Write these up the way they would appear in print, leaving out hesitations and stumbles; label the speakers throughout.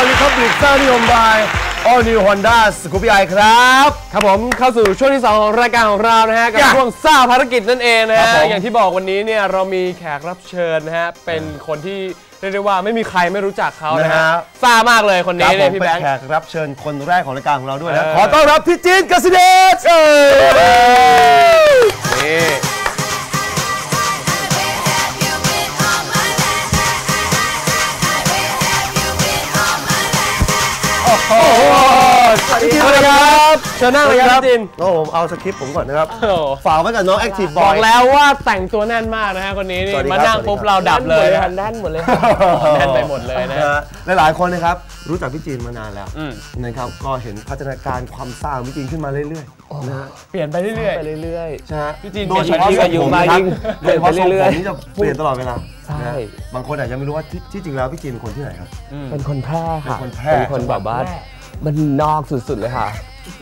Speaker 1: ลิคับบิกซ่านิยมบาย All New Honda Scoopy i ครับ
Speaker 2: ผมเข้าสู่ช่วงที่ 2 ของรายการของเรานะฮะกับช่วงซ่าภารกิจนั่นเองนะฮะอย่างที่บอกวันนี้เนี่ยเรามีแขกรับเชิญนะฮะเป็นคนที่เรียกได้ว่าไม่มีใครไม่รู้จักเขานะฮะซ่ามากเลยคนนี้เนี่ยพี่แบงค์
Speaker 1: เป็นแขกรับเชิญคนแรกของรายการของเราด้วยนะขอต้อนรับพี่จีนกสิเดชนี่สวัสดีครับเชิญนั่งเลยครับจินผมเอาสคริปต์ผมก่อนนะครับฝากไว้กับน้องแอคทีฟบอย
Speaker 2: บอกแล้วว่าแต่งตัวแน่นมากนะฮะคนนี้นี่มานั่งปุ๊บเราดับเลยแน่นหมดเลยแน่นไปหมดเลยนะ
Speaker 1: หลายๆคนนะครับรู้จักพี่จีนมานานแล้วนะครับก็เห็นพัฒนาการความซ่าของพี่จีนขึ้นมาเรื่อยๆนะ
Speaker 2: เปลี่ยนไปเรื่อย
Speaker 1: ๆใช่ฮะ
Speaker 2: พี่จีน
Speaker 1: โดยเฉพาะอายุมากยิ่งเปลี่ยนไปเรื่อยๆนี่จะเปลี่ยนตลอดเวลา
Speaker 2: ใช่
Speaker 1: บางคนอาจจะไม่รู้ว่าที่จริงแล้วพี่จีนเป็นคนที่ไหนครับ
Speaker 3: เป็นคนแพร่ค่ะ
Speaker 1: เป็น
Speaker 3: คนแบบว่ามันนอกสุดๆเลยค่ะ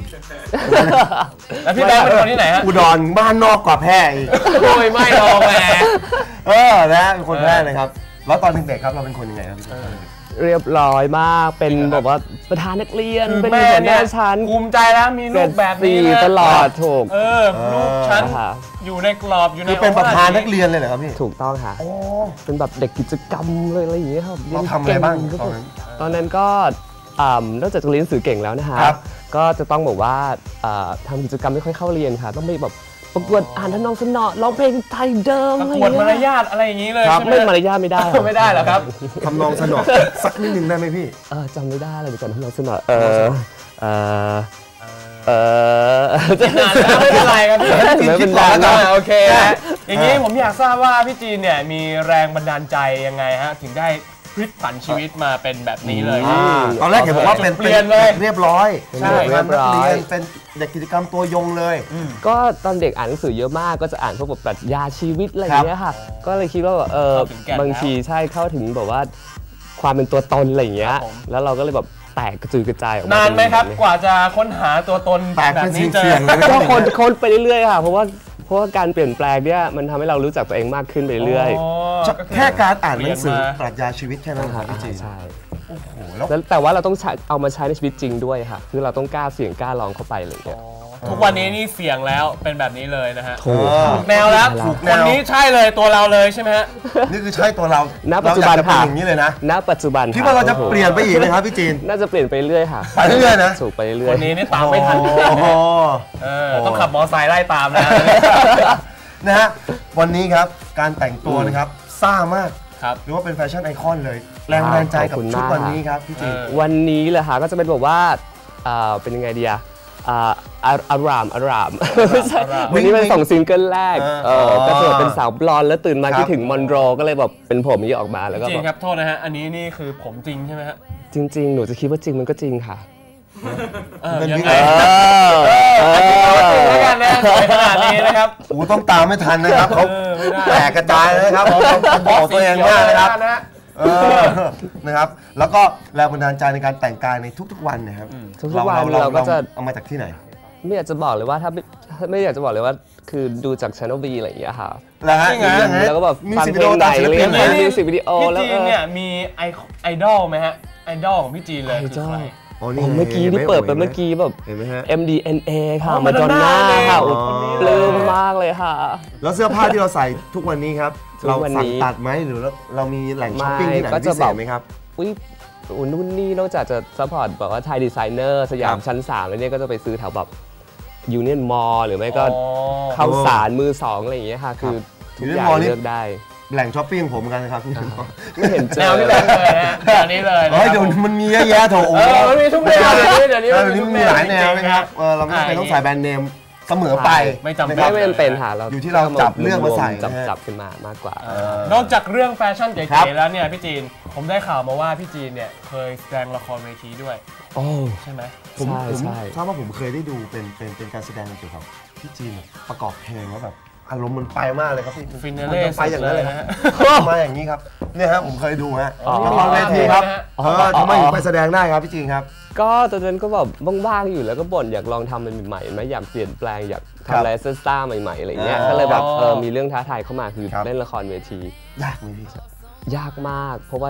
Speaker 2: แล้วพี่แบงค์เป็นคนที่ไหนฮะ
Speaker 1: อุดรบ้านนอกกว่าแพร่อีก
Speaker 2: โอ้ยไม่หรอกแหม
Speaker 1: นะเป็นคนแพร่เลยครับแล้วตอนเด็กๆครับเราเป็นคนยังไงครับพี่
Speaker 3: เรียบร้อยมากเป็นแบบว่าประธานนักเรียนเป็นหัวหน้าชั้น
Speaker 2: ภูมิใจแล้วมีลูกแบบนี้
Speaker 3: ตลอดถูก
Speaker 2: ลูกชั้นอยู่ในกรอบอยู่ใน
Speaker 1: เป็นประธานนักเรียนเลยเหรอครับพี่
Speaker 3: ถูกต้องค่ะเป็นแบบเด็กกิจกรรมเลยอะไรอย่างเงี้ยครับ
Speaker 1: เราทำอะไรบ้าง
Speaker 3: ตอนนั้นก็นอกจากจะเรียนหนังสือเก่งแล้วนะคะก็จะต้องบอกว่าทำกิจกรรมไม่ค่อยเข้าเรียนค่ะต้องไปแบบประกวดอ่านทำนองสนอร้องเพลงไทยเดิม
Speaker 2: ประกวดมารยาทอะไรอย่างนี้เลย
Speaker 3: ไม่มารยาทไม่ได้
Speaker 2: ไม่ได้หรอครับ
Speaker 1: ทำนองสนอสักนิดนึงได้ไหมพี่
Speaker 3: จำไม่ได้เลยก่อนทำนองสนอ
Speaker 2: จะนานแล้วไม่เป็นไรครับพี่
Speaker 3: ไม่เป็นไร
Speaker 2: โอเคอย่างนี้ผมอยากทราบว่าพี่จีนเนี่ยมีแรงบันดาลใจยังไงฮะถึงได้พลิกผันชีวิตมาเป็นแบบนี้เลย
Speaker 1: ตอนแรกเห็นบอกว่าเป็น
Speaker 2: เปลี่ยนเลย
Speaker 1: เรียบร้อย
Speaker 3: ใช่เรียบร้อย
Speaker 1: เป็นเด็กกิจกรรมตัวยงเลย
Speaker 3: ก็ตอนเด็กอ่านหนังสือเยอะมากก็จะอ่านพวกแบบปรัชญาชีวิตอะไรอย่างเงี้ยค่ะก็เลยคิดว่าบางทีใช่เข้าถึงแบบว่าความเป็นตัวตนอะไรอย่างเงี้ยแล้วเราก็เลยแบบแตกกระจุยกระจายออกมาน
Speaker 2: านไหมครับกว่าจะค้นหาตัวตนแบบนี้เจอ
Speaker 3: ก็ค้นไปเรื่อยๆค่ะเพราะว่าการเปลี่ยนแปลงเนี่ยมันทำให้เรารู้จักตัวเองมากขึ้นไปเรื่อย
Speaker 1: แค่การอ่านหนังสือปรัชญาชีวิตแค่นั้นครับพี่จีน
Speaker 3: ใช่โอ้โหแล้วแต่ว่าเราต้องเอามาใช้ในชีวิตจริงด้วยค่ะคือเราต้องกล้าเสี่ยงกล้าลองเข้าไปเลยเนี่ย
Speaker 2: ทุกวันนี้นี่เสี่ยงแล้วเป็นแบบนี้เลยนะฮะ
Speaker 3: ถูก
Speaker 2: แนวแล้วคนนี้ใช่เลยตัวเราเลยใช่ไหมฮะ
Speaker 1: นี่คือใช่ตัวเรา
Speaker 3: ณปัจจุบันค่ะ
Speaker 1: อย่างนี้เลยนะ
Speaker 3: ณปัจจุบัน
Speaker 1: ที่ว่าเราจะเปลี่ยนไปอีกเลยครับพี่จีน
Speaker 3: น่าจะเปลี่ยนไปเรื่อยค่ะ
Speaker 1: ไปเรื่อยนะ
Speaker 3: ถูกไปเรื่อย
Speaker 2: คนนี้นี่ตามไม่ทันต้องขับมอไซค์ไล่ตาม
Speaker 1: นะฮะวันนี้ครับการแต่งตัวนะครับซ่ามากหรือว่าเป็นแฟชั่นไอคอนเลยแรงบันดาลใจกับชุดวันนี้ครับพี่จีน
Speaker 3: วันนี้เลยค่ะก็จะเป็นแบบว่าเป็นยังไงดีอารามวันนี้เป็น2ซิงเกิลแรกก็จะเป็นสาวบลอนด์แล้วตื่นมาคิดถึงมอนโรก็เลยแบบเป็นผมนี้ออกมาแล้วก็
Speaker 2: จริงครับโทษนะฮะอันนี้นี่คือผมจริงใช่ไหมฮะ
Speaker 3: จริงๆหนูจะคิดว่าจริงมันก็จริงค่ะ
Speaker 1: ยังไง
Speaker 2: แล้วกันนะขนาดนี้นะครับ
Speaker 1: ต้องตามไม่ทันนะครับเขาแตกกระจายนะครับบอกตัวเองมากนะครับนะครับแล้วก็แรงบันดาลใจในการแต่งกายในทุกๆวันนะครับ
Speaker 3: ทุกวันเราก็จะ
Speaker 1: เอามาจากที่ไหน
Speaker 3: ไม่อยากจะบอกเลยว่าถ้าไม่อยากจะบอกเลยว่าคือดูจาก Channel V อะไรอย่างเงี้ยค่ะ
Speaker 1: แล้ว
Speaker 3: ก็แบบฟังเพลงไหนเล่นมิวสิกวิดีโอ
Speaker 2: แล้วพี่จีนเนี่ยมีไอดอลไหมฮะไอดอลของพี่จีนเลยคือใคร
Speaker 3: เมื่อกี้ที่เปิดไปเมื่อกี้แบบ MDNA ค่ะมาดอนน่าค่ะปลื้มมากเลยค่ะ
Speaker 1: แล้วเสื้อผ้าที่เราใส่ทุกวันนี้ครับเราสั่งตัดไหมหรือเรามีแหล่งช้อปปิ้งที่ไหนพิเศษไหมครับ
Speaker 3: นู่นนี่นอกจากจะซัพพอร์ตแบบว่าไทยดีไซเนอร์สยามชั้น3แล้วเนี่ยก็จะไปซื้อแถวแบบยูเนียนมอลล์หรือไม่ก็เข้าสารมือ2อะไรอย่างเงี้ยค่ะคือทุกอย่างเลือกได้
Speaker 1: แหล่งช้อปปิ้งผมกันครับ
Speaker 3: ไม่เห็นเจอ
Speaker 2: แนวที่แบบเลยนะอันนี้เลย
Speaker 1: เดี๋ยวมันมีเยอะแยะโถ
Speaker 2: มันมีทุกแนวเดี๋ยว
Speaker 1: นี้มันมีหลายแนวนะครับเราไม่จำเป็นต้องใส่แบรนด์เนมเสมอไป
Speaker 2: ไม่จำ
Speaker 3: เป็นค่ะเรา
Speaker 1: อยู่ที่เราจับเรื่องมาใส่
Speaker 3: จับขึ้นมามากกว่
Speaker 2: านอกจากเรื่องแฟชั่นเก๋ๆแล้วเนี่ยพี่จีนผมได้ข่าวมาว่าพี่จีนเนี่ยเคยแสดงละครเวทีด้วยใช่ไหม
Speaker 1: ผมทราบว่าผมเคยได้ดูเป็นการแสดงเกี่ยวกับพี่จีนประกอบเพลงแล้วแบบอารมณ์มันไปมากเลยครับพี่
Speaker 2: ฟินาเล่
Speaker 1: ไปอย่างนั้นเลยฮะมาอย่างนี้ครับเนี่ยฮะผมเคยดูฮะละครเวทีครับทำไมถึงไปแสดงได้ครับพี่จีนครับ
Speaker 3: ก็ตอนนั้นก็แบบว่างๆอยู่แล้วก็บ่นอยากลองทำอะไรใหม่ๆไหมอยากเปลี่ยนแปลงอยากทำอะไรซ่าๆใหม่ๆอะไรเงี้ยก็เลยแบบมีเรื่องท้าทายเข้ามาคือเล่นละครเวที
Speaker 1: ยากไหมพี่
Speaker 3: ยากมากเพราะว่า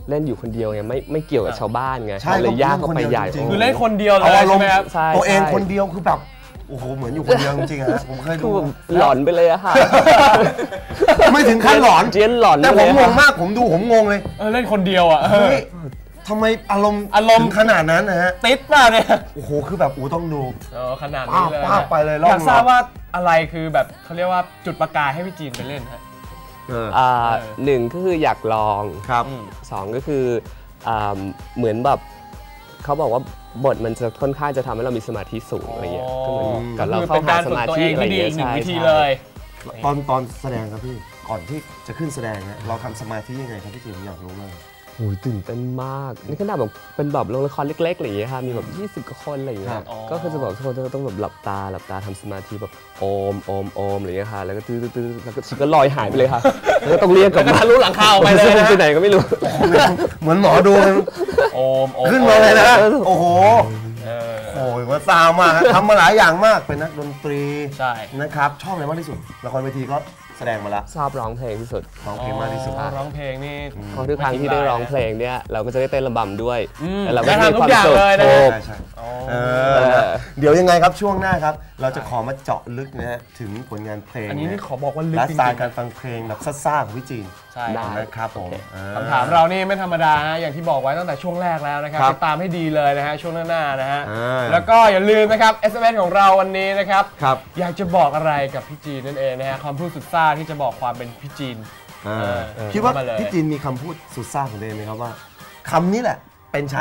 Speaker 3: เล่นอยู่คนเดียวไงไม่เกี่ยวกับชาวบ้านไง
Speaker 1: ใช่
Speaker 3: เลยยากเข้าไปใหญ่
Speaker 2: คือเล่นคนเดียวเลย
Speaker 1: เอาอารมณ์
Speaker 2: ใช่ไหมครับ
Speaker 3: ใช่
Speaker 1: ตัวเอง
Speaker 3: ใช่
Speaker 1: คนเดียวคือแบบโอ้โหเหมือนอยู่คนเดียวจริงๆฮะผมเคย
Speaker 3: คื
Speaker 1: ดู
Speaker 3: อแบบหลอนไปเลยอะค่ะ
Speaker 1: ไม่ถึงขั้นหลอน
Speaker 3: เจียนหลอน
Speaker 1: แต่ผม
Speaker 3: ไป
Speaker 1: ง
Speaker 3: เลย
Speaker 1: งมากผมดูผมงงเลย
Speaker 2: เล่นคนเดียวอ่ะ
Speaker 1: เฮ้ยทำไมอารมณ์ถึงขนาดนั้นนะฮะ
Speaker 2: ติดป่ะเนี่ย
Speaker 1: โอ้โหคือแบบต้องดู
Speaker 2: ขนาดนี้เลย
Speaker 1: ป้าไปเลย
Speaker 2: อยากทราบว่าอะไรคือแบบเขาเรียกว่าจุดประกายให้พี่จีนไปเล่นฮะ
Speaker 3: หนึ่งก็คืออยากลอง
Speaker 1: ครับ
Speaker 3: สองก็คือเหมือนแบบเขาบอกว่าบทมันจะค่อนข้างจะทำให้เรามีสมาธิสูงอะไรเงี้ยก็เหมือนกับเราเข้าหาสมาธิอะไรเงี้ย
Speaker 2: หนึ่ง
Speaker 3: ใช่
Speaker 2: วิธีเลย
Speaker 1: ตอนแสดงครับพี่ก่อนที่จะขึ้นแสดงเนี่ยเราทำสมาธิยังไงครับพี่จีนอยากรู้มาก
Speaker 3: โอ้ยตื่นเต้นมากนี่ขนาดแบบเป็นแบบโรงละครเล็กๆอะไรอย่างเงี้ยค่ะมีแบบ20 กว่าคนอะไรอย่างเงี้
Speaker 1: ครั
Speaker 3: ย
Speaker 1: บ
Speaker 3: ก็คือจะบอกทุกคนต้องแบบหลับตาทำสมาธิแบบโอมอะไรอย่างเงี้ยค่ะแล้วก็ตื้อแล้วก็ชิก็ลอยหายไปเลยค่ะแล้วก็ต้องเรียกกลับมา
Speaker 2: รู้หลังคาไปเลย
Speaker 3: ไปไหนก็ไม่รู้
Speaker 1: เหมือนหมอดู
Speaker 2: โอม
Speaker 1: ขึ้นมาเลยนะโอ้โหโอ้ยว่าซาวมากทำมาหลายอย่างมากเป็นนักดนตรี
Speaker 2: ใช่
Speaker 1: นะครับชอบอะไรมากที่สุดละครเวทีก็แสดงมาแล้ว
Speaker 3: ชอบร้องเพลงที่สุด
Speaker 1: ร้องเพลงมากที่สุด
Speaker 2: ร้องเพลงนี่
Speaker 3: เพราะทุกครั้งที่ได้ร้องเพลงเนี่ยเราก็จะได้เต้นระบำด้วยแล้วเราก็
Speaker 2: ได้
Speaker 3: มี
Speaker 2: ทำทุ
Speaker 3: ควาก ม
Speaker 2: อย่าง
Speaker 3: สุข
Speaker 2: เลยนะ
Speaker 3: ถูก
Speaker 1: ใช่เดี๋ยวยังไงครับช่วงหน้าครับ เราจะขอมาเจาะลึกนะฮะถึงผลงานเพลง
Speaker 2: อันนี้นี่ขอบอกว่าลึก
Speaker 1: และ
Speaker 2: จ
Speaker 1: สไต
Speaker 2: ริง
Speaker 1: ล์การฟังเพลงแบบซ่าๆของพี่จีน
Speaker 2: ๆใช่
Speaker 3: ได้
Speaker 1: นะครับผม
Speaker 2: คำถามเรานี่ไม่ธรรมดาฮะอย่างที่บอกไว้ตั้งแต่ช่วงแรกแล้วนะครับ
Speaker 1: ครับ
Speaker 2: ติดตามให้ดีเลยนะฮะช่วงหน้าๆนะฮะ
Speaker 1: อ่า
Speaker 2: แล้วก็อย่าลืมนะครับ SMS ของเราวันนี้นะครับ
Speaker 1: ครับ
Speaker 2: อยากจะบอกอะไรกับพี่จีนนั่นเองนะฮะความพูดสุดซ่าที่จะบอกความเป็นพี่จีน
Speaker 1: คิดว่า
Speaker 2: เข้ามาเลย
Speaker 1: พี่จีนมีคำพูดสุดซ่าของตัวเองไหมครับว่าคำนี้แหละเป็นฉัน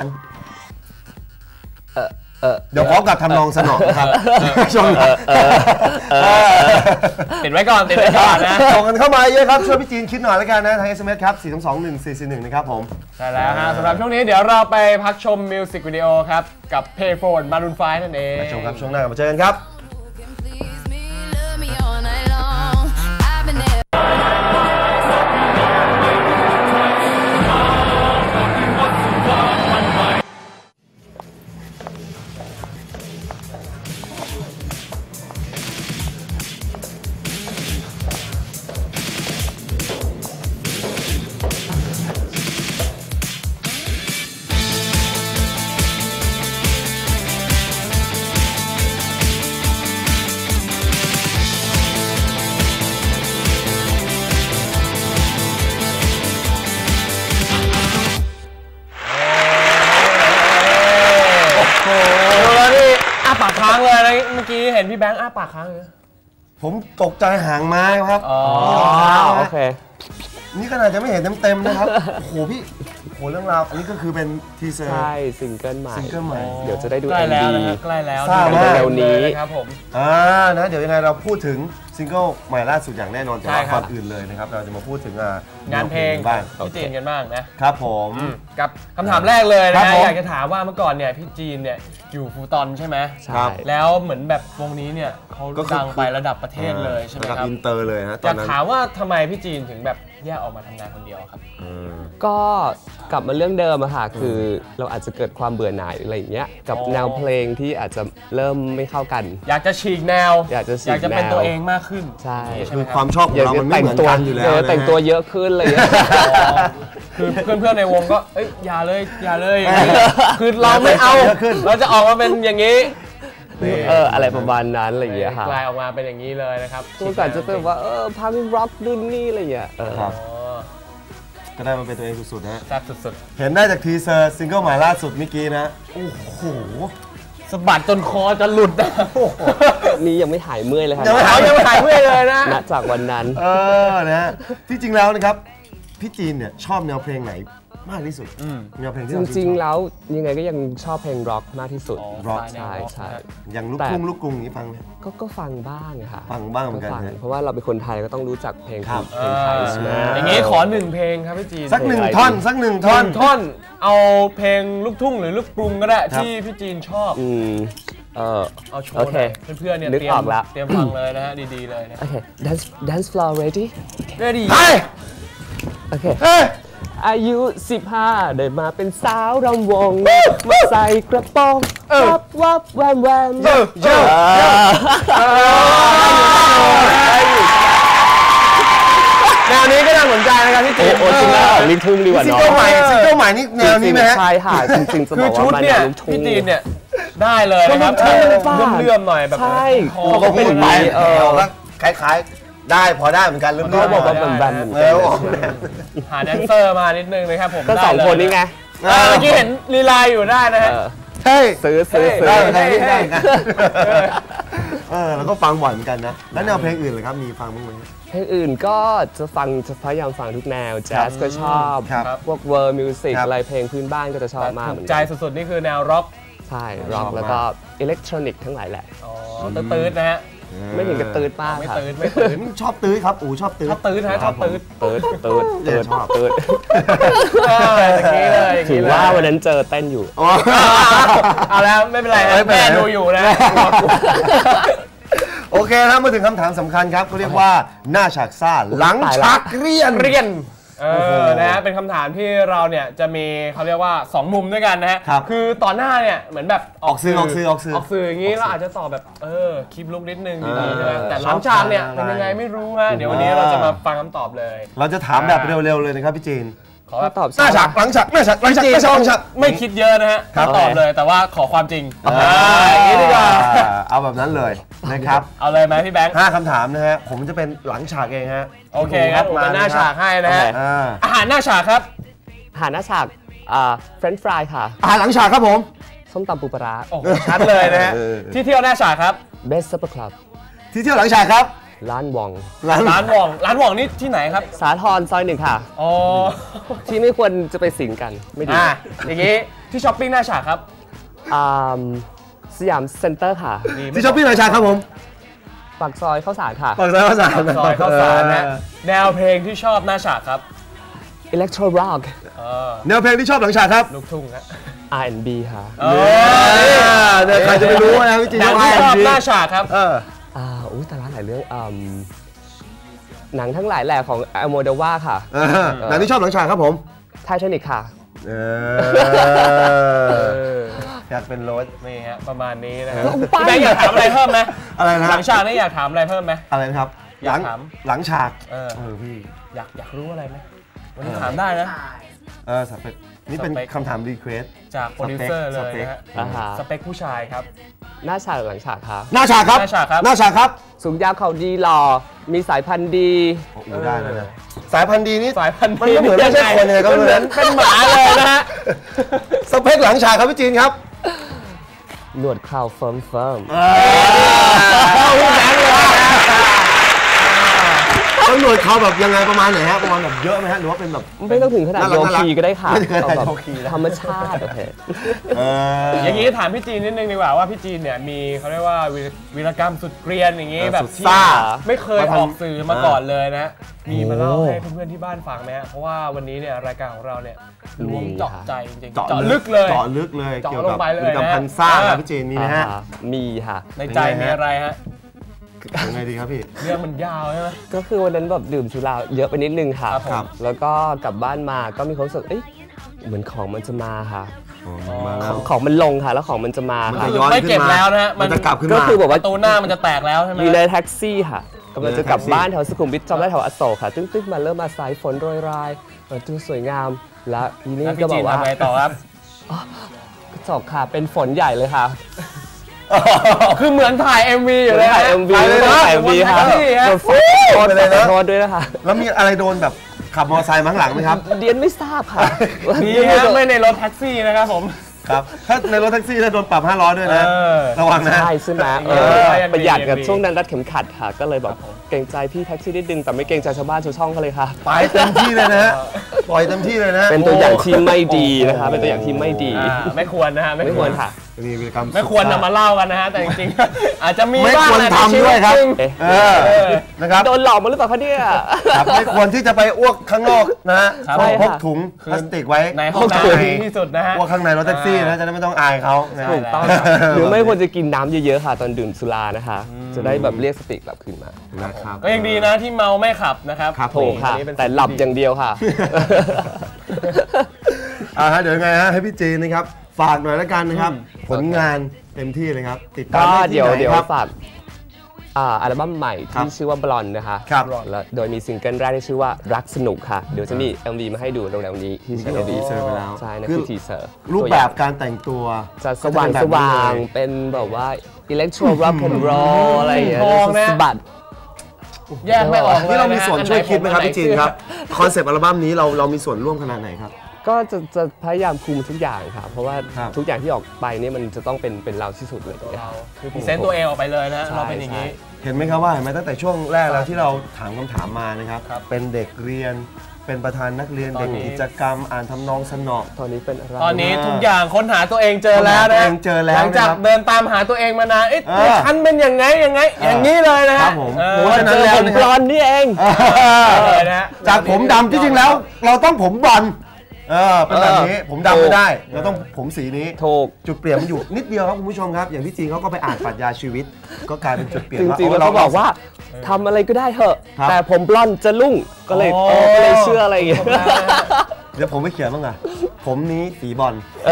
Speaker 1: เดี๋ยวพร้อมกับทำนองสนองนะครับช่วง
Speaker 2: ติดไว้ก่อนนะ
Speaker 1: ส่งกันเข้ามาเยอะครับช่วยพี่จีนคิดหน่อยแล้วกันนะทาง SMS ครับ 4221441 นะครับผม
Speaker 2: ใช่แล้วฮะสำหรับช่วงนี้เดี๋ยวเราไปพักชมมิวสิกวิดีโอครับ กับ Payphone Maroon 5 นั่นเอง
Speaker 1: มาชมครับช่วงหน้ากลับมาเจอกันครับ
Speaker 4: Please me, love me all night long. I've been there.
Speaker 2: ปากค้างเลยนะเมื่อกี้เห็นพี่แบงค์อ้าปากค้างเลย
Speaker 1: ผมตกใจหางไม้ครับ
Speaker 3: โอเค
Speaker 1: นี่ขนาดจะไม่เห็นเต็มๆนะครับ โอ้โหพี่โอ้โหเรื่องราวอันนี้ก็คือเป็นทีเซอร์
Speaker 3: ใช่ซิงเกิลใหม่
Speaker 1: ซิงเกิลใหม่
Speaker 3: เดี๋ยวจะได้ดู
Speaker 2: ใกล้แล้ว
Speaker 3: MV
Speaker 2: นะฮะใกล้แล้ว
Speaker 1: ทราบว่า
Speaker 3: เร็วๆนี้
Speaker 2: ครับผม
Speaker 1: นะเดี๋ยวยังไงเราพูดถึงซิงเกิลใหม่ล่าสุดอย่างแน่นอนแต่ว่า
Speaker 2: ใช่ครับ
Speaker 1: ก่อนอื่นเลยนะครับเราจะมาพูดถึง
Speaker 2: งานเพลง
Speaker 1: บ้าง
Speaker 2: พี่จีนกันบ้างนะครับ
Speaker 1: ผม
Speaker 2: กับคำถามแรกเลย
Speaker 1: ครั
Speaker 2: นะ
Speaker 1: บผม
Speaker 2: อยากจะถามว่าเมื่อก่อนเนี่ยพี่จีนเนี่ยอยู่ฟูตอนใช่ไหม
Speaker 3: ใช่
Speaker 2: แล้วเหมือนแบบวงนี้เนี่ยเขา
Speaker 1: ก็คือ
Speaker 2: ดังไประดับประเทศเลยใช่ไหม
Speaker 1: ระดับ
Speaker 2: ครับ
Speaker 1: อินเตอร์เลยนะต
Speaker 2: อ
Speaker 1: อน
Speaker 2: ยาก
Speaker 1: นั้น
Speaker 2: ถามว่าทำไมพี่จีนถึงแบบแยกออกมาทำงานคนเดียวครับ
Speaker 3: ก็กลับมาเรื่องเดิมอะค่ะคือเราอาจจะเกิดความเบื่อหน่ายอะไรอย่างเงี้ยกับ
Speaker 2: อ๋อ
Speaker 3: แนวเพลงที่อาจจะเริ่มไม่เข้ากัน
Speaker 2: อยากจะฉีกแนว
Speaker 3: อยากจะฉีก
Speaker 2: เป็น
Speaker 3: แนว
Speaker 2: ตัวเองมากขึ้น
Speaker 3: ใช่
Speaker 2: ใช่
Speaker 1: คื
Speaker 2: ไห
Speaker 1: อ
Speaker 2: ม
Speaker 1: ค
Speaker 2: ครั
Speaker 1: วา
Speaker 2: บ
Speaker 1: มชอบของเรามันไม่เหมือนกันอยู่แล้ว
Speaker 3: แต่งตัวเยอะขึ้นอะไรอย่างเงี้ย
Speaker 2: คือเพื่อนๆในวงก็เอ้ยอย่าเลยคือเราไม่เอา
Speaker 1: เยอะขึ้น
Speaker 2: เราจะออกมาเป็นอย่างนี้
Speaker 3: อะไรประมาณนั้นอะไรอย่างเงี้ยค่ะ
Speaker 2: กลายออกมาเป็นอย่างนี้เลยนะครับ
Speaker 3: เมื่อก่อนจะเป็นว่าพังร็อกดุนนี่อะไรอย่างเงี้ย
Speaker 1: ครับ
Speaker 2: อ๋อ
Speaker 1: ก็ได้มาเป็นตัวเองสุดๆนะฮะ
Speaker 2: แซ่บสุด
Speaker 1: เห็นได้จากทีเซอร์ซิงเกิลใหม่ล่าสุดเมื่อกี้นะโอ้โห
Speaker 2: ๆสะบัดจนคอจะหลุดนะ
Speaker 3: นี่ยังไม่หายเมื่อยเลยค่ะ
Speaker 1: ยังไม่
Speaker 2: เขายังไม่หายเมื่อยเลยนะ
Speaker 3: ณจากวันนั้น
Speaker 1: นะฮะที่จริงแล้วนะครับพี่จีนเนี่ยชอบแนวเพลงไหนมากที่สุดแนวเพลงที่
Speaker 3: จ
Speaker 1: เรา
Speaker 3: ริงๆแล้วยังไงก็ยังชอบเพลงร็อกมากที่สุด
Speaker 1: ร็อก
Speaker 3: ใช่ใช่
Speaker 1: อย่างลูก
Speaker 3: แต่
Speaker 1: ทุ่งลูกกรุงนี้ฟังไหม
Speaker 3: ก็ฟังบ้างอะค่ะ
Speaker 1: ฟังบ้างเหมือนกัน
Speaker 3: ฟัง
Speaker 1: ฮะ
Speaker 3: เพราะว่าเราเป็นคนไทยก็ต้องรู้จักเพลง
Speaker 1: ครับ
Speaker 3: เพลงไทยใช่ไหม
Speaker 2: อย่างนี้ขอหนึ่งเพลงครับพี่จีน
Speaker 1: สักหนึ่งท่อนสักหนึ่งท่อน
Speaker 2: ท่อนเอาเพลงลูกทุ่งหรือลูกกรุงก็ได้
Speaker 1: ครับ
Speaker 2: ที่พี่จีนชอบ
Speaker 3: เอา
Speaker 2: โชว์
Speaker 3: โอเค
Speaker 2: หน่อยเพื่อนๆเนี่ย
Speaker 3: นึกออกแล้ว
Speaker 2: เตรียมฟังเลยนะฮะดีๆเลยนะ
Speaker 3: โอเค dance floor ready
Speaker 2: เรียดี
Speaker 1: เฮ้ย
Speaker 3: โอเค
Speaker 1: เฮ้ย
Speaker 3: อายุ 15 ได้มาเป็นสาวรำวง มาใส่กระโปรงวับวับแวมแวม
Speaker 2: แนวนี้ก็น่าสนใจนะครับพี่จีน
Speaker 3: โอ้จริงแล้วลูกทุ่งดีกว่า
Speaker 1: ซิง
Speaker 3: เนาะ
Speaker 1: เกิลใหม่นี่แนวนี้ไหมฮะ
Speaker 3: ใช่ค่ะจริงๆจะ
Speaker 2: คื
Speaker 3: บ
Speaker 2: อ
Speaker 3: อก
Speaker 2: ชุด
Speaker 3: ว่ามัน
Speaker 2: เนี่ย
Speaker 3: ลูกทุ่ง
Speaker 2: พี่จีนเนี่ยได้เลยนะครับ
Speaker 3: ก็ลูกทุ่ง
Speaker 2: เลื่อมๆหน่อยแบบ
Speaker 3: ใช่
Speaker 2: คอ
Speaker 1: เขา
Speaker 2: ก็
Speaker 1: ก็
Speaker 2: เป็
Speaker 1: พู
Speaker 2: น
Speaker 1: ดไป
Speaker 3: เออ
Speaker 1: แล้วคล้ายๆได้พอได้เหมือนกันเริ่ม
Speaker 3: เขาบอกว่าเหมือนแบนเหมือน
Speaker 1: เอ
Speaker 3: กัน
Speaker 1: อออกแนว
Speaker 2: หาแดนเซอร์มานิดนึงนะครับผม
Speaker 3: ก็
Speaker 2: ได้
Speaker 3: สอง
Speaker 2: เลย
Speaker 3: คนนี้ไง
Speaker 2: เมื่อกี้เห็นลีลาอยู่ได้นะฮะ
Speaker 3: เออ
Speaker 1: ใช่
Speaker 3: ซื้อ
Speaker 1: ได้เหมือนกันได้เหมือนกันแล้วก็ฟังบ่อยเหมือนกันนะแล้วแนวเพลงอื่นเลยครับมีฟังบ้างไหม
Speaker 3: เพลงอื่นก็จะพยายามฟังทุกแนวแจ๊สก็ชอบ
Speaker 1: ครับ
Speaker 3: พวกเวิร์มิวสิก
Speaker 1: ครับ
Speaker 3: อะไรเพลงพื้นบ้านก็จะชอบมาก
Speaker 2: ถู
Speaker 3: เหมื
Speaker 2: ก
Speaker 3: อน
Speaker 2: ใจ
Speaker 3: กัน
Speaker 2: สุดๆนี่คือแนวร็อก
Speaker 3: ใช่ร็อกแล้วก็อิเล็กทรอนิกส์ทั้งหลายแหละ
Speaker 2: อ๋อตื้ดๆนะฮะ
Speaker 3: ไม่ถึงกับตืดมาก
Speaker 2: ไม่
Speaker 3: ค่ะ
Speaker 2: ตื้ดไม่ตื้ด
Speaker 1: ชอบตื้อครับชอบตื้อ
Speaker 2: ชอบตื้ดฮะชอบตื้ด
Speaker 3: ตืด
Speaker 1: ชอบ
Speaker 3: ตืด
Speaker 2: อย่างนี้เลยอย่าง
Speaker 3: ถื
Speaker 2: นี้
Speaker 3: อ
Speaker 2: เลย
Speaker 3: ว่าวันนั้นเจอเต้นอยู่
Speaker 2: เอาแล้วไม่เป็นไรฮะ
Speaker 1: ไม่เป็นไร
Speaker 2: แม่ดูอยู่นะ
Speaker 1: โอเคนะมาถึงคำถามสำคัญครับเขาเรียกว่าหน้าฉากซ่าหลังฉากเรียน
Speaker 2: เรียนนะฮะเป็นคำถามที่เราเนี่ยจะมีเขาเรียกว่า 2 มุมด้วยกันนะฮะ
Speaker 1: ครับ
Speaker 2: คือตอนหน้าเนี่ยเหมือนแบบ
Speaker 1: ออกสื่อ
Speaker 2: ออกสื่ออย่างนี้เราอาจจะตอบแบบคลิปลุกนิดนึงดีๆใช่ไหมแต่หลังฉากเนี่ยเป็นยังไงไม่รู้ฮะเดี๋ยววันนี้เราจะมาฟังคำตอบเลย
Speaker 1: เราจะถามแบบเร็วๆเลยนะครับพี่จีน
Speaker 2: ขอแบบ
Speaker 3: ตอบ
Speaker 1: หน้าฉากหลังฉากหน้าฉากหลังฉาก
Speaker 2: จริง
Speaker 1: หน้าฉากหลังฉาก
Speaker 2: ไม่คิดเยอะนะฮะ
Speaker 1: ครับ
Speaker 2: ตอบเลยแต่ว่าขอความจริงอย่างนี้ดีกว่า
Speaker 1: เอาแบบนั้นเลยนะครับ
Speaker 2: เอาเลยไหมพี่แบงค์
Speaker 1: 5คำถามนะฮะผมจะเป็นหลังฉากเองฮะ
Speaker 2: โอเคครับผมเป็นหน้าฉากให้นะฮะ
Speaker 1: อ่า
Speaker 2: อาหารหน้าฉากครับ
Speaker 3: หาหน้าฉากเฟรนช์ฟรายค่ะ
Speaker 1: อาหารหลังฉากครับผม
Speaker 3: ส้มตำปูปลาร้า
Speaker 2: โอ้โหชัดเลยนะฮะ
Speaker 1: เออ
Speaker 2: ที่เที่ยวหน้าฉากครับ
Speaker 3: เบสซัปเปอร์คลับ
Speaker 1: ที่เที่ยวหลังฉากครับ
Speaker 3: ร้านวอง
Speaker 2: ร้านหว่องนี่ที่ไหนครับ
Speaker 3: สาทรซอย 1 ค่ะ
Speaker 2: อ๋อ
Speaker 3: ที่ไม่ควรจะไปสิงกันไม่ดี
Speaker 2: อย่างนี้ที่ช้อปปิ้งหน้าฉากครับ
Speaker 3: อ่าสยามเซ็นเตอร์ค่ะ
Speaker 1: ที่ช้อปปิ้งหลังฉากครับผม
Speaker 3: ปากซอยข้าวสารค่ะ
Speaker 1: ปากซอยข้าวสาร
Speaker 2: ซอยข้าวสารนะแนวเพลงที่ชอบหน้าฉากครับ
Speaker 3: อิเล็กโทรร็อก
Speaker 1: แนวเพลงที่ชอบหลังฉากครับ
Speaker 2: ลูกทุ่งฮะ
Speaker 3: R&B ค่ะ
Speaker 1: เนี่ยใครจะไปรู้นะพี่จีน
Speaker 2: หนังที่ชอบหน้าฉากครับ
Speaker 3: อุ้ยแต่ละหลายเรื่องหนังทั้งหลายแหล่ของอโมเดวาค่ะ
Speaker 1: หนังที่ชอบหลังฉากครับผม
Speaker 3: ไททานิกค่ะ
Speaker 1: อยากเป็นรถ
Speaker 2: นี่ฮะประมาณนี้นะฮะ
Speaker 3: ลงไป
Speaker 2: พี่แบงค์อยากถามอะไรเพิ่มไหม
Speaker 1: อะไรนะ
Speaker 2: หลังฉากนี่อยากถามอะไรเพิ่มไหม
Speaker 1: อะไรนะครับ
Speaker 2: อยากถาม
Speaker 1: หลังฉาก พี่
Speaker 2: อยากรู้อะไรไหมวันนี้ถามได้นะ
Speaker 1: สเปคนี่เป็น
Speaker 2: สเปค
Speaker 1: คำถามรีเควส
Speaker 2: จากโปรดิวเซอร์เลยนะฮะ
Speaker 3: อ่าฮะ
Speaker 2: สเปคผู้ชายครับ
Speaker 3: หน้าฉากหลังฉากค่ะ
Speaker 1: หน้าฉากครับ
Speaker 2: หน้าฉากครับ
Speaker 1: หน้าฉากครับ
Speaker 3: สูงยาวเขาดีหล่อ มีสายพันธุ์ดี
Speaker 1: ได้แล้วนะสายพันธุ์ดีนี่
Speaker 2: สายพันธุ์
Speaker 1: มันก็เหมือนไม่ใช่คนเลยครับ
Speaker 2: มันเหมือนเป็นหมาเลยนะฮะ
Speaker 1: สเปคหลังฉากครับพี่จีนครับ
Speaker 3: หนวดเคราวเฟิร์ม
Speaker 2: เข้าพี่แบงค์เลยนะ
Speaker 1: ต้องหนวดเขาแบบยังไงประมาณไหนฮะประมาณแบบเยอะไหมฮะหรือว่าเป็นแบบ
Speaker 3: ไม่ต้องถึงขนาด
Speaker 1: น่ารั
Speaker 3: โย
Speaker 1: ก
Speaker 3: คีก็ได้ค่ะ
Speaker 1: ไม่ถึงขนาด
Speaker 3: เอาแบบ
Speaker 1: โยคีนะ
Speaker 3: ธรรมชาติโอเค
Speaker 2: อย่างนี้ถามพี่จีนนิดนึงดีกว่าว่าพี่จีนเนี่ยมีเขาเรียกว่าวีรกรรมสุดเกรียนอย่างนี้แบบ
Speaker 1: สุด
Speaker 2: ที่
Speaker 1: ซ่า
Speaker 2: ไม่เคย
Speaker 1: มาทำ
Speaker 2: ออกสื่อมาก่อนเลยนะ มีมาเล่า
Speaker 3: โอ้
Speaker 2: ให้เพื่อนๆที่บ้านฟังไหมฮะเพราะว่าวันนี้เนี่ยรายการของเราเนี่ยล้วง
Speaker 3: มี
Speaker 2: เจาะ
Speaker 3: ค่ะ
Speaker 2: ใจจริงๆเจาะลึกเลย
Speaker 1: เจาะลึกเลย
Speaker 2: เจาะ
Speaker 1: เกี่ยว
Speaker 2: ล
Speaker 1: กับ
Speaker 2: งไปเลย
Speaker 1: พฤติกรรม
Speaker 2: นะ
Speaker 1: พันซ่าครับพี่จีนมีไหมฮะ
Speaker 3: มีค่ะ
Speaker 2: ในใจมีอะไรฮะ
Speaker 1: ยังไงดีครับพี่
Speaker 2: เรื่องมันยาวใช่ไหม
Speaker 3: ก็คือวันนั้นแบบดื่มสุราเยอะไปนิดนึงค่ะ
Speaker 2: ครับผม
Speaker 3: แล้วก็กลับบ้านมาก็มีความรู้สึกเอ้ยเหมือนของมันจะมาค่ะ
Speaker 1: มาแล้ว
Speaker 3: ของมันลงค่ะ แล้วของมันจะมา
Speaker 1: มัน
Speaker 3: ค่ะ
Speaker 1: จะย้อน
Speaker 2: ไม่
Speaker 1: ขึ้
Speaker 2: เก็บ
Speaker 1: นมา
Speaker 2: แล้วนะฮะ
Speaker 1: มันจะกลับขึ้น
Speaker 3: ก็
Speaker 1: มา
Speaker 3: คือแบบว่า
Speaker 2: ประตูหน้ามันจะแตกแล้วใช่ไหม
Speaker 3: อยู่ในแท็กซี่ค่ะกำลังจะกลับ
Speaker 1: อยู่ในแท็กซี่
Speaker 3: บ้านแถวสุขุมวิทจำได้แถวอโศกค่ะ ตึ้งๆมาเริ่มมาสายฝนโรยรายดูสวยงาม แล้วทีนี้
Speaker 2: แล้ว
Speaker 3: ก็
Speaker 2: พี่
Speaker 3: บ
Speaker 2: จี
Speaker 3: อน กว่า
Speaker 2: ทำไงต่อครับ
Speaker 3: กระจกค่ะ เป็นฝนใหญ่เลยค่ะ
Speaker 2: คือเหมือนถ่าย MV อยู่เลย
Speaker 3: ถ่าย MV
Speaker 2: เลยนะ
Speaker 3: ถ่าย MV ค่ะ
Speaker 2: บนแท็กซี่ฮะ
Speaker 3: โดนฟ้อง
Speaker 1: ไปเลยนะ
Speaker 3: ขอโทษด้วยนะคะ
Speaker 1: แล้วมีอะไรโดนแบบขับมอเตอร์ไซค์มาข้างหลังไหมครับ
Speaker 3: เดียนไม่ทราบค่ะ
Speaker 2: ดีฮะไม่ในรถแท็กซี่นะครับผม
Speaker 1: ครับ ถ้าในรถแท็กซี่ถ้าโดนปรับ500ด้วยนะ
Speaker 2: เออ
Speaker 1: ระวังนะ
Speaker 3: ใช่ใช่ไหม
Speaker 2: เออ
Speaker 3: ประหยัดกับ
Speaker 2: ยังดี
Speaker 3: ช่วงนั้นรัดเข็มขัดค่ะ ก็เลยแบบเกรงใจพี่แท็กซี่นิดนึงแต่ไม่เกรงใจชาวบ้านชาวช่องเขาเลยค่ะ
Speaker 1: ไปเต็มที่เลยนะฮะ ปล่อยเต็มที่เลยนะ
Speaker 3: เป็นตัวอย่างที่ไม่ดีนะคะ เป็นตัวอย่างที่ไม่ดี
Speaker 2: ไม่ควรนะฮะ
Speaker 3: ไม่ควรค่ะ
Speaker 1: มีวีรกรรม
Speaker 2: ไม่ควรนำมาเล่ากันนะฮะ แต่จริงๆ อาจจะมี
Speaker 1: ไม่
Speaker 2: บ้าง
Speaker 1: ควร
Speaker 2: แหละ
Speaker 1: ทำด้วยครับ
Speaker 2: ในชีตจง
Speaker 3: เอ๊ะ
Speaker 1: นะครับ
Speaker 3: โดนหลอกมาหรือเปล่าคะเนี่ย
Speaker 1: ครับไม่ควรที่จะไปอ้วกข้างนอกนะฮะ
Speaker 2: ครับ
Speaker 1: ต้อง
Speaker 3: ใช่
Speaker 1: พ
Speaker 3: ค่ะ
Speaker 1: กถุงพลาสติกไว้
Speaker 2: ในห้องน้ำดีที่สุดนะฮะ
Speaker 1: อ้วกข้างในรถแท็กซี่นะจะได้ไม่ต้องอายเขานะฮะ
Speaker 3: ถูกต้องค่ะหรือไม่ควรจะกินน้ำเยอะๆค่ะ ตอนดื่มสุรานะคะ จะได้แบบเรียกสติกลับคืนมา
Speaker 1: นะครับ
Speaker 2: ก็ยังดีนะที่เมาไม่ขับนะครับ
Speaker 1: ครับ
Speaker 3: ถูกค่ะ
Speaker 2: อันนี้เป็น
Speaker 3: แต่หลับอย่างเดียวค่ะ
Speaker 1: เดี๋ยวยังไงฮะให้พี่จีนนะครับฝากหน่อยแล้วกันนะครับ ผลงานเต็มที่เลยครับ ติดตาม
Speaker 3: ก็
Speaker 1: ได้ที่
Speaker 3: เดี๋ยว
Speaker 1: ไหน
Speaker 3: เดี๋ยว
Speaker 1: ครับ
Speaker 3: ฝากอัลบั้มใหม่ที่ชื่อว่าบลอนนะคะ
Speaker 1: ครับ
Speaker 3: แล้วโดยมีซิงเกิลแรกที่ชื่อว่ารักสนุกค่ะเดี๋ยวจะมี MV มาให้ดูเร็วๆนี้ที่
Speaker 1: ทีเซอร์ไปแล้ว
Speaker 3: ใช่นั่น
Speaker 1: คื
Speaker 3: คือ อทีเซอร์
Speaker 1: รูปแบบการแต่งตัว
Speaker 3: จะสว่างสว่างเป็นแบบว่าอิเล็กโทรร็อกแอนด์โรลอะไรอย่างเงี้ย
Speaker 2: ทองนะ
Speaker 3: สะบัด
Speaker 2: แยกไม่ออกเลย
Speaker 1: นี่เรามีส่วนช่วยคิดไหมครับ
Speaker 2: อัน
Speaker 1: พี่จีนครับคอนเซปต์อัลบั้มนี้เรามีส่วนร่วมขนาดไหนครับ
Speaker 3: ก็จะพยายามคุมทุกอย่างค่ะเพราะว่า
Speaker 1: ครับ
Speaker 3: ทุกอย่างที่ออกไปเนี่ยมันจะต้องเป็นเราที่สุดเลย
Speaker 2: เราคือพรีเซนต์ตัวเองออกไปเลยนะ
Speaker 3: ใช่
Speaker 2: เราเป็นอย่างนี้
Speaker 1: เห็นไหมครับว่าเห็นไหมตั้งแต่ช่วงแรกแล้วที่เราถามคำถามมานะครับ
Speaker 2: ครับ
Speaker 1: เป็นเด็กเรียนเป็นประธานนักเรียน
Speaker 2: ตอ
Speaker 1: เด็
Speaker 2: น
Speaker 1: ก
Speaker 2: นี้
Speaker 1: กิจกรรมอ่านทำนองสนอ
Speaker 3: ตอนนี้เป็นอะไร
Speaker 2: ตอนนี้ทุกอย่างค้นหาตัวเองเจอแล้ว
Speaker 1: ค้นหาตัว
Speaker 2: นะ
Speaker 1: เองเจอแล้ว
Speaker 2: หลังจาก
Speaker 1: นะครับ
Speaker 2: เดินตามหาตัวเองมานานเอ๊ะ
Speaker 1: เออ
Speaker 2: ฉันเป็นยังไงอย่างนี้เลยนะ
Speaker 1: ครั
Speaker 2: ฮะ
Speaker 1: บผม
Speaker 2: เออ
Speaker 1: เพราะฉะนั้น
Speaker 3: เจอ
Speaker 1: แล้ว
Speaker 3: ผม
Speaker 1: นะ
Speaker 3: บ
Speaker 1: ค
Speaker 3: ล
Speaker 1: รับ
Speaker 3: อนด์นี่เอง
Speaker 2: เลยนะฮะ
Speaker 1: จากผมดำที่จริงแล้ว เราต้องผมบอลเป็นแบบนี้ผมดำไม่ได้ เราต้องผมสีนี้
Speaker 3: ถูก
Speaker 1: จุดเปลี่ยนมันอยู่นิดเดียวครับคุณผู้ชมครับ อย่างที่จีนเขาก็ไปอ่านปรัชญาชีวิต ก็กลายเป็นจุดเปลี่ยน
Speaker 3: จริงๆแล้วเขาบอกว่าทำอะไรก็ได้เถอะ
Speaker 1: ครับ
Speaker 3: แต่ผมบลอนด์จะลุ่งก็เลย
Speaker 2: โอ้
Speaker 3: ก็เลยเชื่ออะไรอย่างเงี้ย
Speaker 1: เดี๋ยวผมไม่เขียนบ้างอะผมนี้สีบอล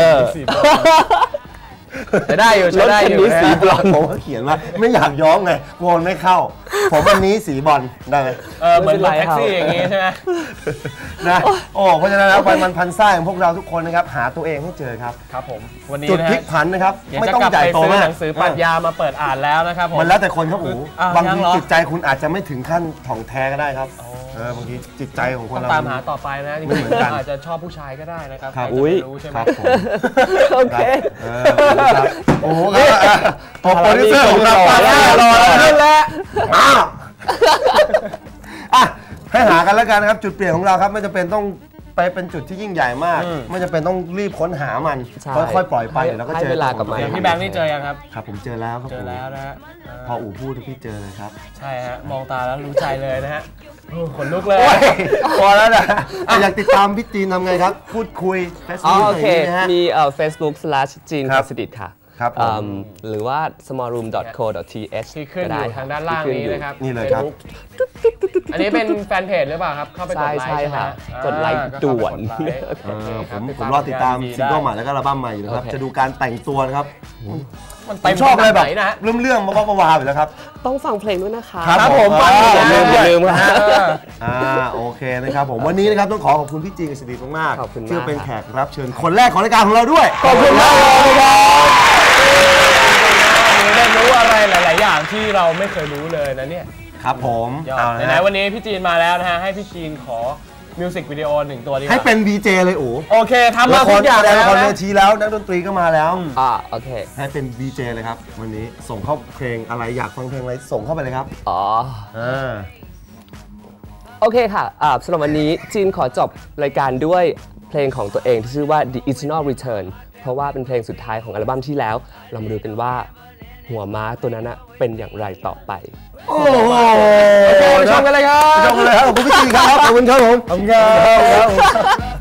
Speaker 2: ใช้ได้อยู่
Speaker 3: ร
Speaker 2: ใช้
Speaker 3: ถ
Speaker 2: ได้
Speaker 3: คัน
Speaker 2: อยู่
Speaker 3: นี้สี
Speaker 2: นะ
Speaker 3: บลอนด์
Speaker 1: ผมก็เขียนว่าไม่อยากย้อมไงกลัวมันไม่เข้า ผมอันนี้สีบอลได้ไหม
Speaker 2: เหมือนรถแท็กซี่อย่างนี้ใช่ไหม
Speaker 1: นะโอ้เพราะฉะนั้นแล้วไปมันพันซ่าของพวกเราทุกคนนะครับหาตัวเองให้เจอครับ
Speaker 2: ครับผมวันนี้
Speaker 1: จุด
Speaker 2: นะ
Speaker 1: พลิ
Speaker 2: ฮะ
Speaker 1: กผันนะครับ
Speaker 2: อยาก
Speaker 1: ไม่
Speaker 2: จะ
Speaker 1: ต้อง
Speaker 2: กลับ
Speaker 1: ใหญ่
Speaker 2: ไป
Speaker 1: โต
Speaker 2: ซื้อ
Speaker 1: มาก
Speaker 2: หนังสือปรัชญามาเปิดอ่านแล้วนะครับผม
Speaker 1: มันแล้วแต่คนครับอู
Speaker 2: อ้าว
Speaker 1: บาง
Speaker 2: ยัง
Speaker 1: ที
Speaker 2: เหรอ
Speaker 1: จิตใจคุณอาจจะไม่ถึงขั้นถ่องแท้ก็ได้ครับบางทีจิตใจของคน
Speaker 2: ต้อง
Speaker 1: เรา
Speaker 2: ตามหาต่อไปนะจริง
Speaker 1: ไม่เหมือนกัน
Speaker 2: ๆอาจจะชอบผู้ชายก็ได้นะครับ
Speaker 1: ครับ
Speaker 2: ใครจะไปรู้ใช่ไหม
Speaker 1: ครับผม
Speaker 3: โอเค
Speaker 1: ครับโอ้โหครับโปรดิวเซอร์ของเรา
Speaker 3: รอแล้ว
Speaker 1: รอแล้วแหละอ่ะให้หากันแล้วกันนะครับ จุดเปลี่ยนของเราครับไม่จำเป็นต้องไปเป็นจุดที่ยิ่งใหญ่มาก ไม่จำเป็นต้องรีบค้นหามัน
Speaker 3: ใช่
Speaker 1: ค่อยๆปล่อยไปเดี๋ยวเราก็เจอ
Speaker 3: ให้เวลากับมัน
Speaker 2: อย่างพี่แบงค์นี่เจอยังครับ
Speaker 1: ครับผมเจอแล้วครับ
Speaker 2: เจอแล้วนะฮะ
Speaker 1: พออู๋พูดทุกที่เจอเลยครับ
Speaker 2: ใช่ฮะมองตาแล้วรู้ใจเลยนะฮะโอ้ขนลุกเลย
Speaker 1: โอ้ยพอแล้วนะอยากติดตามพี่จีนทำไงครับ พูดคุย
Speaker 3: อ๋อ
Speaker 1: Facebook
Speaker 3: โอ
Speaker 1: อะไรอ
Speaker 3: เค
Speaker 1: ย่างนี้นะฮะ
Speaker 3: มีFacebook / จีน
Speaker 1: ครับ
Speaker 3: สดิตค่ะ
Speaker 1: ครับผม
Speaker 3: หรือว่า smallroom.co.th
Speaker 2: ที่ขึ้นอยู่ทางด้านล่างนี้นะครับ
Speaker 1: นี่เลยครับ
Speaker 2: Facebook อันนี้เป็นแฟนเพจหรือเปล่าครับ เข้าไปกดไลค์
Speaker 3: ใช่
Speaker 2: ใช่ไหม
Speaker 3: ค่ะ
Speaker 2: อ่าก
Speaker 3: ดไลค์
Speaker 2: ก็
Speaker 3: ด่วน
Speaker 2: เข้าไปกดไลค์โอเคครับ
Speaker 1: ผมรอติดตาม
Speaker 2: ผลงน
Speaker 1: ซิงเกิลใหม่
Speaker 2: ได้
Speaker 1: แล้วก็อัลบั้มใหม่อยู่นะครับ
Speaker 3: โอเค
Speaker 1: จะดูการแต่งตัวนะครับ
Speaker 2: มัน
Speaker 1: ผ
Speaker 2: เต็
Speaker 1: ม
Speaker 2: ม
Speaker 1: ชอบอะไรแบบ
Speaker 2: ขนาดหนนะ
Speaker 1: เรื่องๆบ้าๆวาๆอยู่แล้วครับ
Speaker 3: ต้องฟังเพลงด้วยนะคะ
Speaker 1: ครับผม
Speaker 2: ฟังอยู่
Speaker 3: อย่า
Speaker 2: นะ
Speaker 3: ลืมค่ะ
Speaker 1: โอเคนะครับผมวันนี้นะครับต้องขอบคุณพี่จีนกับสิริมาก
Speaker 3: ขอบคุณมาก
Speaker 1: ที่เป็นแขกรับเชิญคนแรกของรายการของเราด้วย
Speaker 3: ขอบคุณมากเลยครับ
Speaker 2: ได้รู้อะไรหลาย ๆ อย่างที่เราไม่เคยรู้เลยนะเนี่ย
Speaker 1: ครับผม
Speaker 2: ยอด
Speaker 1: เอาละ
Speaker 2: ไหน
Speaker 1: ฮะ
Speaker 2: ๆวันนี้พี่จีนมาแล้วนะฮะให้พี่จีนขอมิวสิกวิดีโอ1 ตัวดีกว่า
Speaker 1: ให้เป็น VJ เลยโอ้
Speaker 2: โอเคทำมา
Speaker 1: ละค
Speaker 2: ทุ
Speaker 1: ร
Speaker 2: กอย่าง
Speaker 1: แสด
Speaker 2: แล้
Speaker 1: ง
Speaker 2: ว
Speaker 1: ละครเว
Speaker 2: นะ
Speaker 1: ทีแล้วนักดนตรีก็มาแล้ว
Speaker 3: โอเค
Speaker 1: ให้เป็น VJ เลยครับวันนี้ส่งเข้าเพลงอะไรอยากฟังเพลงอะไรส่งเข้าไปเลยครับ
Speaker 3: อ๋อ
Speaker 1: อ่า
Speaker 3: โอเคค่ะสำหรับวันนี้จีนขอจบรายการด้วยเพลงของตัวเองที่ชื่อว่า The Eternal Return เพราะว่าเป็นเพลงสุดท้ายของอัลบั้มที่แล้ว เรามาดูกันว่าหัวม้าตัวนั้นเป็นอย่างไรต่อไป
Speaker 1: โอ้โห
Speaker 2: โอเคไปชมกันเลยครับ
Speaker 1: ไปชมกันเลยครับขอบคุณพี่จีนครับขอบคุณครับผมขอบคุณครับ